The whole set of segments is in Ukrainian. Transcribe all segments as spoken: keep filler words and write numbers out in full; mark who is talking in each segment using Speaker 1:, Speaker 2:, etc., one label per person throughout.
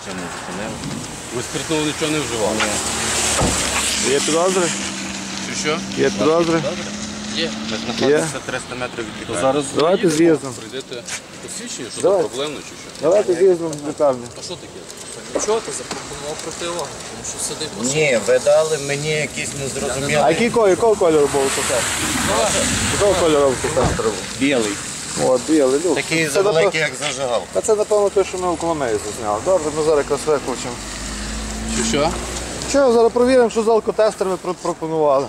Speaker 1: причину зупинили.
Speaker 2: Ви спиртного нічого не вживали?
Speaker 1: Ні.
Speaker 3: Є підозри?
Speaker 2: Чи що?
Speaker 3: Є підозри?
Speaker 2: Є.
Speaker 1: Ви знаходитеся триста метрів від
Speaker 2: То
Speaker 1: лікарні.
Speaker 2: зараз
Speaker 3: Давайте
Speaker 2: заїдемо,
Speaker 3: з'їздимо.
Speaker 2: прийдете посвідчення, що
Speaker 3: Давай.
Speaker 2: це проблемно чи що?
Speaker 3: Давайте з'їздимо в лікарню.
Speaker 2: А що таке?
Speaker 4: Чого ти запропонував противагу? Тому що сидить машина.
Speaker 1: Ні, ви дали мені якісь незрозумілі.
Speaker 3: А який кольор, якого кольору був алкотестер? Якого кольору алкотестер був?
Speaker 1: Білий.
Speaker 3: О, білий, люк.
Speaker 1: Такий
Speaker 3: Це,
Speaker 1: завеликий,
Speaker 3: напев-
Speaker 1: як зажигалка.
Speaker 3: А це, напевно, те, що ми в Коломиї зазняли. Добре, ми зараз якраз виключимо.
Speaker 2: Чи що?
Speaker 3: Що, зараз перевіримо, що за алкотестер ви про- пропонували.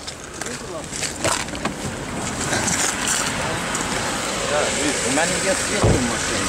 Speaker 1: У мене є світло в машині.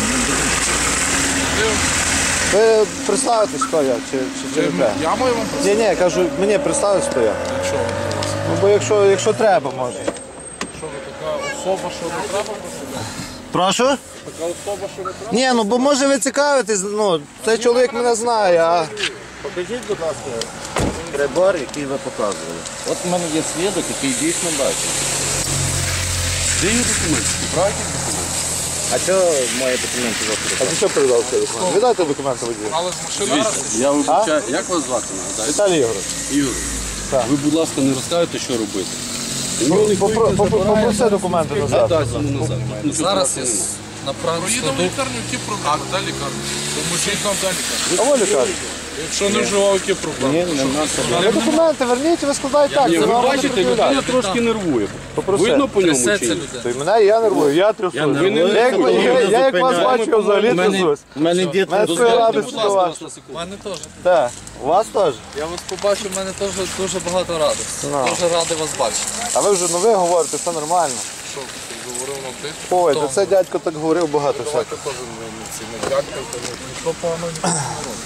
Speaker 3: Ви представитесь, хто я, чи, чи, чи не треба?
Speaker 4: Я маю вам
Speaker 3: Ні, ні, я кажу, мені представитись, хто я.
Speaker 4: Що?
Speaker 3: Ну, бо якщо, якщо треба, може.
Speaker 4: Що ви така особа, що не треба просити?
Speaker 3: Прошу?
Speaker 4: Така особа, що не треба?
Speaker 3: Ні, ну бо може ви цікавитесь, ну, цей чоловік мене знає, а...
Speaker 1: Покажіть, будь ласка, прибор, який ви показували. От у мене є свідок, який дійсно бачить.
Speaker 2: Де є документи? Справді документи?
Speaker 1: А чого мої документи
Speaker 3: А
Speaker 1: запитали?
Speaker 3: ти що передав цей документ? Віддайте документи водію.
Speaker 4: Але з машини раз.
Speaker 2: Я вибачаю, як вас звати, нагадайте?
Speaker 3: Віталій Ігорович.
Speaker 2: Юрій,
Speaker 3: Так.
Speaker 2: ви, будь ласка, не розкажете, що робити. Ну,
Speaker 3: Попро- попро- Попроси документи назад.
Speaker 2: Дасть йому назад. Ну, що
Speaker 4: Зараз
Speaker 2: просто
Speaker 4: я
Speaker 2: нема.
Speaker 4: направлю
Speaker 5: Поїдемо в
Speaker 4: складу.
Speaker 5: лікарню, які проблеми? Де лікарня? Поможіть нам де лікарня.
Speaker 3: А ви лікар?
Speaker 5: Якщо не вживав, які проблеми?
Speaker 1: Ні, нема
Speaker 3: Ви документи верніть, ви складаєте так.
Speaker 2: Ні,
Speaker 3: Це
Speaker 2: ви
Speaker 3: вам буде
Speaker 2: бачите,
Speaker 3: пред'являти.
Speaker 2: людина трошки нервує.
Speaker 3: Попроси.
Speaker 2: Видно по ньому
Speaker 4: Трясеться
Speaker 2: чи ні?
Speaker 4: людина.
Speaker 3: То й мене я нервую, я трясусь.
Speaker 2: Я не
Speaker 3: Я, як-
Speaker 2: нервую.
Speaker 3: я, я як вас
Speaker 1: Зупиняю.
Speaker 3: бачу, я взагалі
Speaker 1: У мене-
Speaker 3: трясусь.
Speaker 1: У мене дід
Speaker 3: Мене
Speaker 1: не
Speaker 3: своя
Speaker 2: Будь
Speaker 3: радість
Speaker 2: ласка,
Speaker 3: ваша.
Speaker 2: вас на секунду.
Speaker 4: У мене теж.
Speaker 3: Так, у вас теж?
Speaker 4: Я вас побачив, в мене теж дуже багато радості.
Speaker 3: Ну.
Speaker 4: Дуже радий вас бачити.
Speaker 3: А ви вже нове говорите, все нормально.
Speaker 5: Що ти говорив нам ти?
Speaker 3: Ой, то це дядько так говорив багато всякого.
Speaker 5: Давайте теж не ці не дякуйте. Ніхто погано не робить.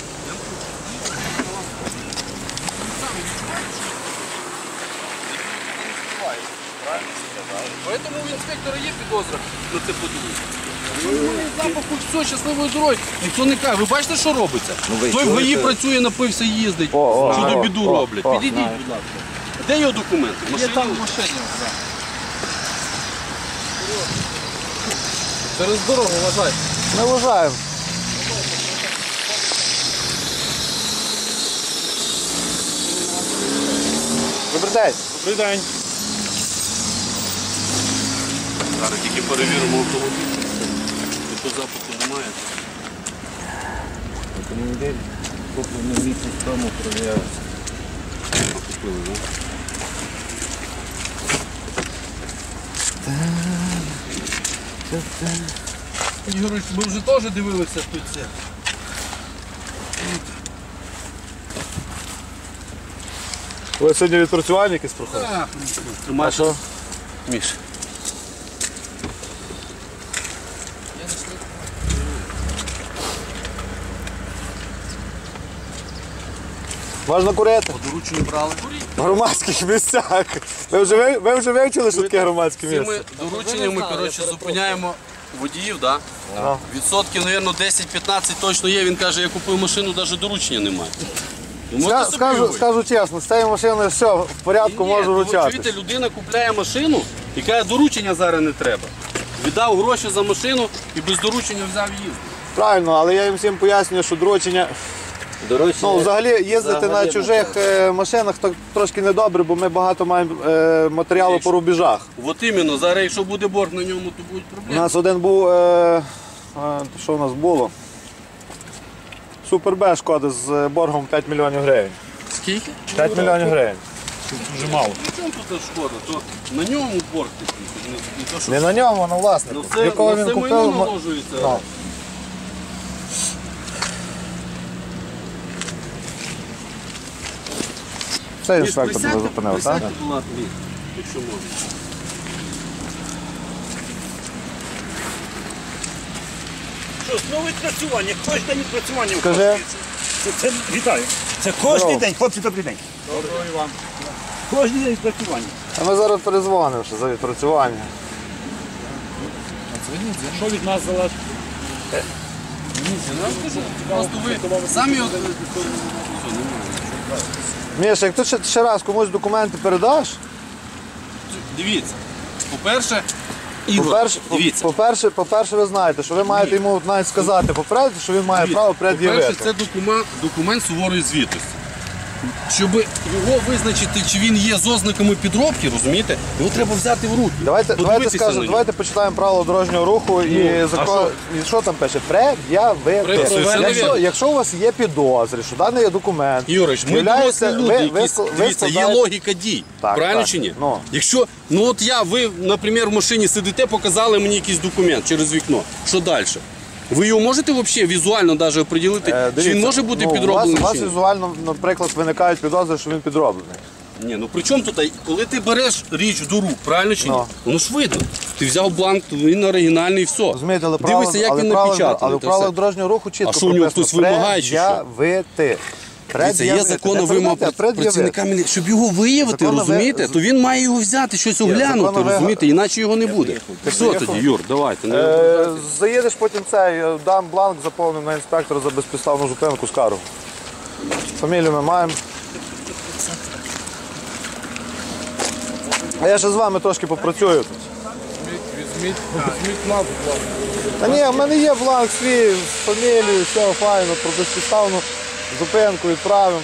Speaker 2: Поэтому у інспектора є підозра на це подивитися. Запаху, все, щасливої дороги. Ніхто не каже. Ви бачите, що робиться?
Speaker 1: ви
Speaker 2: Той в ГАІ
Speaker 1: чуєте?
Speaker 2: працює, напився, їздить.
Speaker 3: О, о,
Speaker 2: Чудо
Speaker 3: о,
Speaker 2: біду
Speaker 3: о,
Speaker 2: роблять.
Speaker 3: о,
Speaker 2: Підійдіть, будь ласка. Де його документи?
Speaker 4: Є
Speaker 2: Машина?
Speaker 4: там в машині. Через дорогу вважайте.
Speaker 3: Ми вважаємо. Добрий день.
Speaker 5: Добрий день.
Speaker 2: Зараз тільки перевіримо автомобіль. Якщо запаху немає.
Speaker 1: Автомобіль куплений місяць тому проявився.
Speaker 2: Купили, так? Ігорович, ми вже теж дивилися тут це.
Speaker 3: Ви сьогодні відпрацювання якесь проходите?
Speaker 2: Так, тримай.
Speaker 3: що?
Speaker 2: Міш.
Speaker 3: Можна курити?
Speaker 2: По дорученню брали.
Speaker 3: В громадських місцях. Ви вже, ви, ви вже вивчили, що таке громадське
Speaker 2: Цими
Speaker 3: місце?
Speaker 2: дорученнями, коротше, зупиняємо водіїв, да?
Speaker 3: Ага.
Speaker 2: Відсотків, мабуть, десять-п'ятнадцять точно є. Він каже, я купив машину, навіть доручення немає. Ви можете
Speaker 3: Ска-
Speaker 2: собі
Speaker 3: Скажу,
Speaker 2: уявити?
Speaker 3: скажу чесно, з цією машиною все, в порядку,
Speaker 2: Ні,
Speaker 3: можу
Speaker 2: ну,
Speaker 3: вручати.
Speaker 2: чуєте, людина купляє машину і каже, доручення зараз не треба. Віддав гроші за машину і без доручення взяв їздити.
Speaker 3: Правильно, але я їм всім пояснюю, що доручення... Ну, взагалі їздити на чужих е, машинах то трошки недобре, бо ми багато маємо е, матеріалу по рубежах.
Speaker 2: От іменно, зараз якщо буде борг на ньому, то будуть
Speaker 3: У
Speaker 2: проблеми.
Speaker 3: нас один був, е, е, що у нас було? Супер Б шкода з боргом п'ять мільйонів гривень.
Speaker 2: Скільки?
Speaker 3: п'ять мільйонів гривень.
Speaker 5: Дуже мало.
Speaker 2: При чому тут шкода? То на ньому борг такий. Не, не то, що...
Speaker 3: Не на ньому, а на власнику.
Speaker 2: Ну, це,
Speaker 3: Якого
Speaker 2: на
Speaker 3: він
Speaker 2: це
Speaker 3: купив.
Speaker 2: майно
Speaker 3: мо-
Speaker 2: наложується.
Speaker 3: Ну. Це інспектор тебе зупинив, так?
Speaker 2: Присядьте, будь ласка, якщо можна.
Speaker 6: Що, знову відпрацювання, кожен день відпрацювання. в
Speaker 3: Скажи.
Speaker 6: Кошті. Це, це, вітаю. Це кожен день, хлопці, добрий день. Доброго Іван. Кожен день відпрацювання.
Speaker 3: А ми зараз перезвонимо ще за відпрацювання.
Speaker 6: Що від нас залежить?
Speaker 2: Просто ви самі от...
Speaker 3: Міша, як ти ще, ще раз комусь документи передаш,
Speaker 2: Дивіться, по-перше, Ігор,
Speaker 3: По-перше, по-
Speaker 2: дивіться.
Speaker 3: по-перше, по-перше, ви знаєте, що ви маєте йому навіть сказати попередити, що він має право
Speaker 2: По-перше,
Speaker 3: пред'явити.
Speaker 2: це документ, документ суворої звітності. Щоб його визначити, чи він є з ознаками підробки, розумієте, його треба взяти в руки.
Speaker 3: Давайте, давайте
Speaker 2: подивитися на
Speaker 3: скажемо,
Speaker 2: нього.
Speaker 3: давайте почитаємо правила дорожнього руху і
Speaker 2: Ну, а
Speaker 3: закон. І що там пише? Пред'явити.
Speaker 2: Пред'явити.
Speaker 3: Якщо, якщо у вас є підозри, що даний документ
Speaker 2: Юрич, ми
Speaker 3: являється-
Speaker 2: дорослі люди,
Speaker 3: ви- ви
Speaker 2: якісь,
Speaker 3: ск- ви
Speaker 2: дивіться, є
Speaker 3: складаєте-
Speaker 2: логіка дій,
Speaker 3: Так,
Speaker 2: правильно
Speaker 3: так.
Speaker 2: чи ні?
Speaker 3: Ну.
Speaker 2: Якщо, ну от я, ви, наприклад, в машині сидите, показали мені якийсь документ через вікно, що далі? Ви його можете взагалі візуально навіть оприділити,
Speaker 3: Е,
Speaker 2: чи
Speaker 3: дивіться,
Speaker 2: він може бути
Speaker 3: ну,
Speaker 2: підроблений?
Speaker 3: У вас, у
Speaker 2: чи
Speaker 3: вас
Speaker 2: ні?
Speaker 3: візуально, наприклад, виникають підозри, що він підроблений.
Speaker 2: Ні, ну при чому тут, коли ти береш річ до рук, правильно чи ні?
Speaker 3: Ну.
Speaker 2: Воно ж видно. Ти взяв бланк, то він оригінальний і все.
Speaker 3: Розумієте, але правила,
Speaker 2: Дивися, як
Speaker 3: але
Speaker 2: він
Speaker 3: правила-
Speaker 2: напечатаний.
Speaker 3: але в
Speaker 2: та
Speaker 3: правилах
Speaker 2: все.
Speaker 3: дорожнього руху чітко
Speaker 2: А що, у нього
Speaker 3: прописано,
Speaker 2: хтось вимагає, чи що?
Speaker 3: пред'явити.
Speaker 2: Дивіться, є
Speaker 3: Пред'явити.
Speaker 2: законна
Speaker 3: Не
Speaker 2: вимога
Speaker 3: пред'явити, а пред'явити.
Speaker 2: працівника міліції. Щоб його виявити,
Speaker 3: Законна ви-
Speaker 2: розумієте, то він має його взяти, щось оглянути,
Speaker 3: законна ви-
Speaker 2: розумієте, іначе його не буде. Все
Speaker 3: поїхав?
Speaker 2: тоді, Юр, давайте. не-
Speaker 3: Е, Заїдеш потім цей, е, дам бланк, заповнив на інспектора за безпідставну зупинку скаргу. Фамілію ми маємо. А я ще з вами трошки попрацюю тут.
Speaker 5: Візьміть, візьміть назву.
Speaker 3: Та ні, в мене є бланк свій, з фамілією, все файно, про безпідставну зупинку відправимо.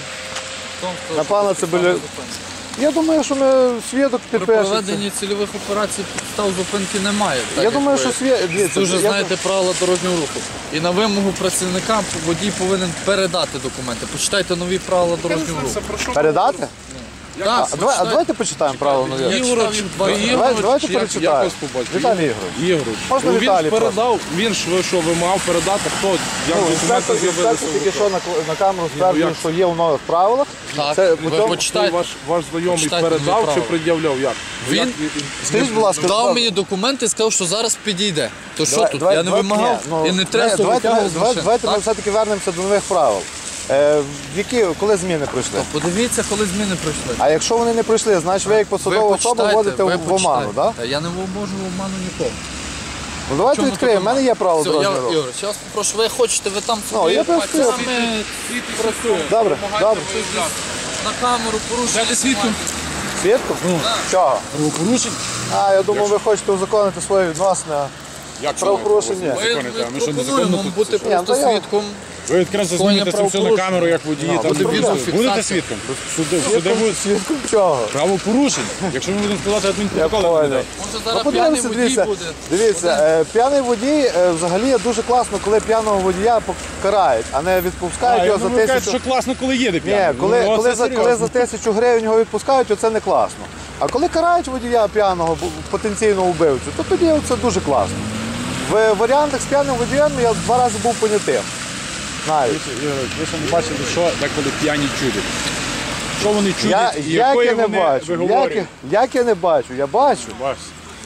Speaker 3: На пана Цибуля. Я думаю, що ми свідок
Speaker 4: При
Speaker 3: підпишеться.
Speaker 4: проведенні цільових операцій підстав зупинки немає. Так,
Speaker 3: Я думаю, що
Speaker 4: якби
Speaker 3: свідок. Дивіться,
Speaker 4: дуже
Speaker 3: я-
Speaker 4: знаєте правила дорожнього руху. І на вимогу працівника водій повинен передати документи. Почитайте нові правила дорожнього руху.
Speaker 3: Передати?
Speaker 4: Так,
Speaker 3: А, давай, а
Speaker 4: почитайте.
Speaker 3: давайте почитаємо правила нові.
Speaker 4: Я читав їх два рази.
Speaker 3: Давай, давайте
Speaker 5: Як, як
Speaker 3: перечитаємо.
Speaker 5: вас побачив?
Speaker 3: Віталій Ігорович.
Speaker 5: Ігорович.
Speaker 3: Можна
Speaker 5: Ну, він
Speaker 3: Віталій
Speaker 5: ж передав, він ж ви що, ви мав передати, хто, як
Speaker 3: Ну,
Speaker 5: документи
Speaker 3: інспектор,
Speaker 5: з'явилися
Speaker 3: інспектор
Speaker 5: в
Speaker 3: тільки
Speaker 5: руках.
Speaker 3: що на, на камеру стверджує,
Speaker 5: як?
Speaker 3: що є у нових правилах.
Speaker 4: Так,
Speaker 3: Це,
Speaker 4: ви
Speaker 3: по цьому-
Speaker 5: Той
Speaker 4: почитайте.
Speaker 5: ваш, ваш знайомий
Speaker 4: Почитайте
Speaker 5: передав
Speaker 4: нові
Speaker 5: чи
Speaker 4: правила.
Speaker 5: пред'являв, як?
Speaker 4: Він
Speaker 5: Як
Speaker 3: Скажіть, будь ласка,
Speaker 4: дав
Speaker 3: давай-
Speaker 4: мені документи і сказав, що зараз підійде. То що
Speaker 3: давай-
Speaker 4: тут?
Speaker 3: давай-
Speaker 4: Я не
Speaker 3: давай-
Speaker 4: вимагав
Speaker 3: ні, ну,
Speaker 4: і не
Speaker 3: ні,
Speaker 4: треба
Speaker 3: Давайте,
Speaker 4: витягувати з
Speaker 3: давайте,
Speaker 4: машин.
Speaker 3: давайте ми
Speaker 4: Так?
Speaker 3: все-таки вернемося до нових правил. Е, в які, коли зміни пройшли?
Speaker 4: Подивіться, коли зміни пройшли.
Speaker 3: А якщо вони не пройшли, значить ви як посадова особа
Speaker 4: почитайте,
Speaker 3: вводите
Speaker 4: ви
Speaker 3: в, в оману,
Speaker 4: почитайте.
Speaker 3: так?
Speaker 4: Та Я не вможу в оману нікого.
Speaker 3: Ну давайте
Speaker 4: Чому
Speaker 3: відкриємо, в
Speaker 4: тут
Speaker 3: мене є право
Speaker 4: Все, я,
Speaker 3: дорожнього руху.
Speaker 4: Ігор, зараз попрошу, ви хочете, ви там
Speaker 3: Ну, я просто-
Speaker 4: а ми працюємо.
Speaker 3: Добре, добре.
Speaker 4: На камеру порушуєте.
Speaker 2: свідком.
Speaker 3: Свідку? Чого?
Speaker 2: Правопорушень?
Speaker 3: А, я думав, ви хочете узаконити свої відносини. а
Speaker 5: Як
Speaker 3: Правопорушення.
Speaker 4: Ми, ми пропонуємо вам бути
Speaker 3: Ні,
Speaker 4: просто
Speaker 3: то я-
Speaker 4: свідком.
Speaker 5: Ви відкрито
Speaker 4: Скоєння
Speaker 5: знімете це все на
Speaker 4: правопорушення.
Speaker 5: камеру, як водії.
Speaker 3: Ну,
Speaker 5: там
Speaker 3: буде
Speaker 5: будете-
Speaker 4: відеофіксація.
Speaker 5: Будете свідком? Суди, суди будуть
Speaker 3: Свідком чого?
Speaker 5: правопорушень. Якщо ми будемо складати
Speaker 3: Я
Speaker 5: адмінпротоколи на
Speaker 3: понял.
Speaker 5: людей.
Speaker 4: Може
Speaker 3: Ну,
Speaker 4: зараз п'яний
Speaker 3: подивимося,
Speaker 4: водій
Speaker 3: дивіться,
Speaker 4: буде.
Speaker 3: дивіться, е, п'яний водій е, взагалі є дуже класно, коли п'яного водія покарають, а не відпускають
Speaker 5: А,
Speaker 3: його
Speaker 5: ну,
Speaker 3: за
Speaker 5: ви кажете,
Speaker 3: тисячу.
Speaker 5: що класно, коли їде
Speaker 3: Ні,
Speaker 5: п'яний.
Speaker 3: коли,
Speaker 5: Ну,
Speaker 3: коли,
Speaker 5: це
Speaker 3: за, коли
Speaker 5: серйозно.
Speaker 3: за тисячу гривень його відпускають, оце не класно. А коли карають водія п'яного, бу- потенційного вбивцю, то тоді це дуже класно. В варіантах з п'яним водієм я два рази був понятим. Навіть.
Speaker 5: Ігор, ви ще не бачили, що деколи п'яні чудять. Що вони
Speaker 3: Я,
Speaker 5: чудять і
Speaker 3: як
Speaker 5: якої
Speaker 3: я не
Speaker 5: вони
Speaker 3: бачу, як,
Speaker 5: виговорюють.
Speaker 3: я- як я не бачу, я бачу.
Speaker 5: Бачите.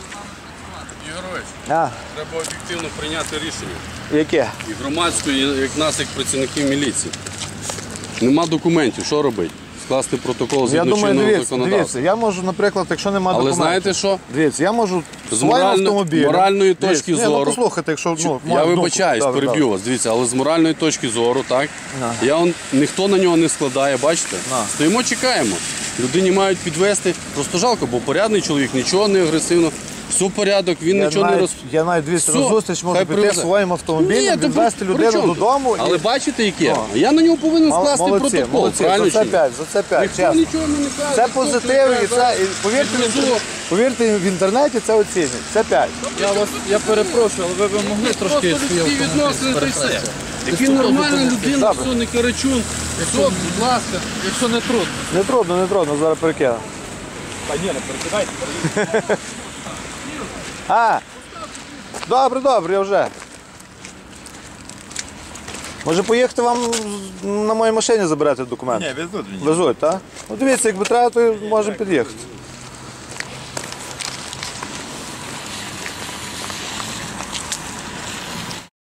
Speaker 2: Ігорович,
Speaker 3: А,
Speaker 2: треба об'єктивно прийняти рішення.
Speaker 3: яке?
Speaker 2: І громадської, як нас, як працівників міліції. Нема документів, що робити? Скласти протокол
Speaker 3: Я
Speaker 2: згідно
Speaker 3: думаю,
Speaker 2: чинного
Speaker 3: дивіться,
Speaker 2: законодавства.
Speaker 3: дивіться, я можу, наприклад, якщо немає
Speaker 2: Але
Speaker 3: документів.
Speaker 2: знаєте що?
Speaker 3: Дивіться, я можу
Speaker 2: З
Speaker 3: своїм
Speaker 2: морально-
Speaker 3: автомобілем.
Speaker 2: моральної
Speaker 3: Дивіться,
Speaker 2: точки
Speaker 3: ні,
Speaker 2: зору.
Speaker 3: Ну, послухайте, якщо ну,
Speaker 2: Я
Speaker 3: мою думку.
Speaker 2: вибачаюсь,
Speaker 3: Добре,
Speaker 2: переб'ю
Speaker 3: добре.
Speaker 2: вас. Дивіться, але з моральної точки зору, так? Я он, ніхто на нього не складає, бачите?
Speaker 3: На.
Speaker 2: Стоїмо, чекаємо. Людині мають підвести. Просто жалко, бо порядний чоловік, нічого не агресивно. Все порядок, він
Speaker 3: Я
Speaker 2: нічого не
Speaker 3: навіть,
Speaker 2: роз...
Speaker 3: я навіть дивіться, на
Speaker 2: Все,
Speaker 3: зустріч можу
Speaker 2: хай
Speaker 3: піти
Speaker 2: привезе.
Speaker 3: своїм автомобілем,
Speaker 2: Ні, то
Speaker 3: відвести
Speaker 2: при- при
Speaker 3: людину
Speaker 2: чому тут?
Speaker 3: додому.
Speaker 2: Але
Speaker 3: і...
Speaker 2: бачите, яке?
Speaker 3: Ну.
Speaker 2: Я на нього повинен
Speaker 3: Мол-
Speaker 2: скласти
Speaker 3: молодці,
Speaker 2: протокол.
Speaker 3: молодці,
Speaker 2: Правильно
Speaker 3: за
Speaker 2: чи
Speaker 3: це
Speaker 2: ні?
Speaker 3: п'ять, за це п'ять,
Speaker 2: Ніхто
Speaker 3: чесно.
Speaker 2: нічого не каже.
Speaker 3: Це
Speaker 2: ніхто
Speaker 3: позитив і
Speaker 2: нічого
Speaker 3: це,
Speaker 2: не
Speaker 3: і повірте, в
Speaker 2: Підвезу.
Speaker 3: інтер- повірте, в інтернеті це оцінять. Це п'ять.
Speaker 4: Я вас, я перепрошую, але ви б могли трошки
Speaker 2: Просто
Speaker 4: свій
Speaker 2: людські
Speaker 4: автомобіль
Speaker 2: відносини, та й все.
Speaker 4: перепрацювати.
Speaker 2: Який
Speaker 4: Якщо
Speaker 2: нормальна
Speaker 4: добре,
Speaker 2: людина,
Speaker 3: добре.
Speaker 2: все, не карачун. Все, будь ласка.
Speaker 4: Якщо не трудно.
Speaker 3: Не трудно, не трудно, зараз перекину.
Speaker 5: Та ні, не перекидайте.
Speaker 3: А, добре, добре, я вже. Може поїхати вам на моїй машині забирати документи?
Speaker 6: Ні, везуть мені.
Speaker 3: Везуть, так? Ну дивіться, якби треба, то можемо під'їхати.